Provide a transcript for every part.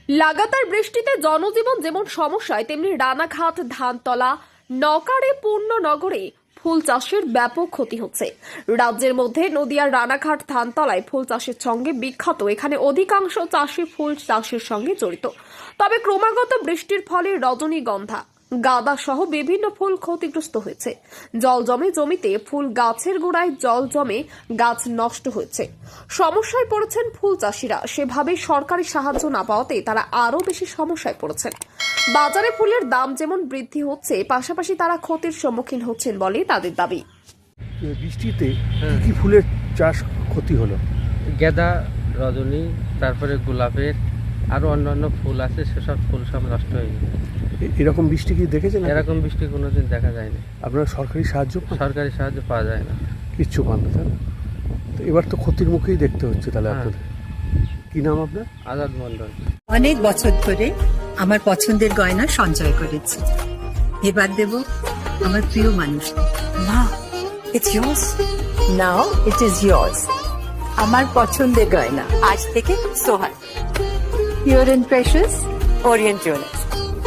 লাগাতার বৃষ্টিতে জনজীবন যেমন সমস্যায়, তেমনি রানাঘাট, ধানতলা, নকারে, পূর্ণনগরে ফুল চাষের ব্যাপক ক্ষতি হচ্ছে। রাজ্যের মধ্যে নদিয়ার রানাঘাট, ধানতলায় ফুল চাষের সঙ্গে বিখ্যাত। এখানে অধিকাংশ চাষি ফুল চাষের সঙ্গে জড়িত। তবে ক্রমাগত বৃষ্টির ফলে রজনীগন্ধা, গাঁদা সহ বিভিন্ন ফুল ক্ষতিগ্রস্ত হয়েছে। জল জমে জমিতে, ফুল গাছের গোড়ায় জল জমে গাছ নষ্ট হয়েছে। সমস্যায় পড়েছেন ফুল চাষিরা। সেভাবে সরকারি সাহায্য না পাওয়াতে তারা আরো বেশি সমস্যায় পড়েছেন। বাজারে ফুলের দাম যেমন বৃদ্ধি হচ্ছে, পাশাপাশি তারা ক্ষতির সম্মুখীন হচ্ছেন বলে তাদের দাবি। বৃষ্টিতে কি কি ফুলের চাষ ক্ষতি হলো? গাঁদা, রজনী, তারপরে গোলাপের আরও অন্যান্য ফুল আছে, সেসব ফুল সব নষ্ট হয়ে গেছে। এরকম বৃষ্টি কি দেখেছেন? এরকম বৃষ্টি কোনোদিন দেখা যায়নি। আপনারা সরকারি সাহায্য পান? সরকারি সাহায্য পাওয়া যায় না, কিচ্ছু পান না, তাই না? তো এবার তো ক্ষতির মুখেই দেখতে হচ্ছে তাহলে হ্যাঁ। আপনাদের। কি নাম আপনার? আজাদ মন্ডল। অনেক বছর ধরে আমার পছন্দের গয়না সঞ্চয় করেছি। এবার দেব আমার প্রিয় মানুষ। না, it's yours. Now it is yours. আমার পছন্দের গয়না আজ থেকে Sohan, pure and precious, Orient jewellers.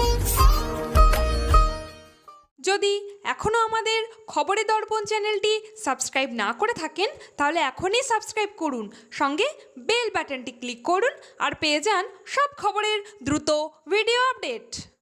যদি এখনও আমাদের খবরের দর্পণ চ্যানেলটি সাবস্ক্রাইব না করে থাকেন, তাহলে এখনই সাবস্ক্রাইব করুন, সঙ্গে বেল বাটনটি ক্লিক করুন আর পেয়ে যান সব খবরের দ্রুত ভিডিও আপডেট।